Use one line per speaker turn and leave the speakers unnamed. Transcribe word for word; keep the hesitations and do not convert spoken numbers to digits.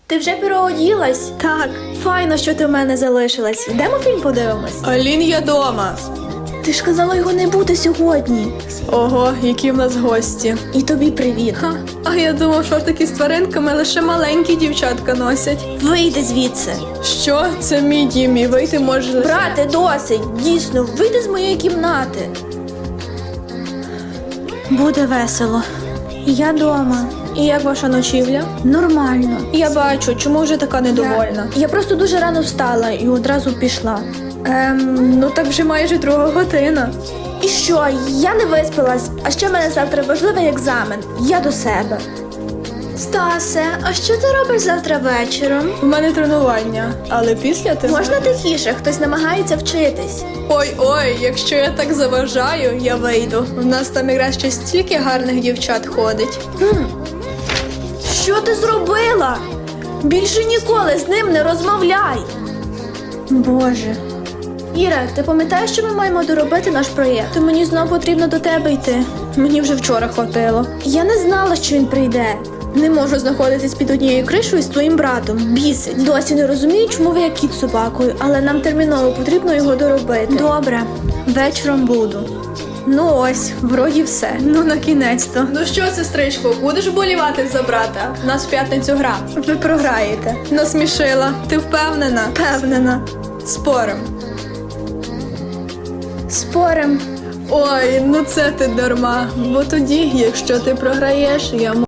Ти вже переоділась? Так. Файно, що ти в мене залишилась. Йдемо фільм подивимось?
Алін, я дома.
Ти ж казала його не бути сьогодні.
Ого, які в нас гості.
І тобі привіт.
Ха, а я думав, шортики з тваринками лише маленькі дівчатка носять.
Вийди звідси.
Що? Це мій дім, і вийти може лише...
Брате, досить. Дійсно, вийди з моєї кімнати. Буде весело. Я дома.
І як ваша ночівля?
Нормально.
Я бачу, чому вже така недовольна?
Я, я просто дуже рано встала і одразу пішла.
Ем, ну так вже майже друга година.
І що? Я не виспалась, а ще в мене завтра важливий екзамен. Я до себе. Стасе, а що ти робиш завтра вечором?
У мене тренування, але після ти...
Можна тихіше, хтось намагається вчитись.
Ой-ой, якщо я так заважаю, я вийду. У нас там якраз ще стільки гарних дівчат ходить.
Хм. Що ти зробила? Більше ніколи з ним не розмовляй. Боже. Іра, ти пам'ятаєш, що ми маємо доробити наш проєкт?
То мені знову потрібно до тебе йти. Мені вже вчора хватило.
Я не знала, що він прийде.
Не можу знаходитись під однією кришою з твоїм братом. Бісить.
Досі не розумію, чому ви як кіт з собакою, але нам терміново потрібно його доробити.
Добре, вечором буду. Ну ось, вроді все. Ну на кінець-то. Ну що, сестричко, будеш болівати за брата? У нас в п'ятницю гра. Ви програєте. Насмішила. Ти впевнена? Впевнена. Спорим.
Спорим.
Ой, ну це ти дарма. Бо тоді, якщо ти програєш, я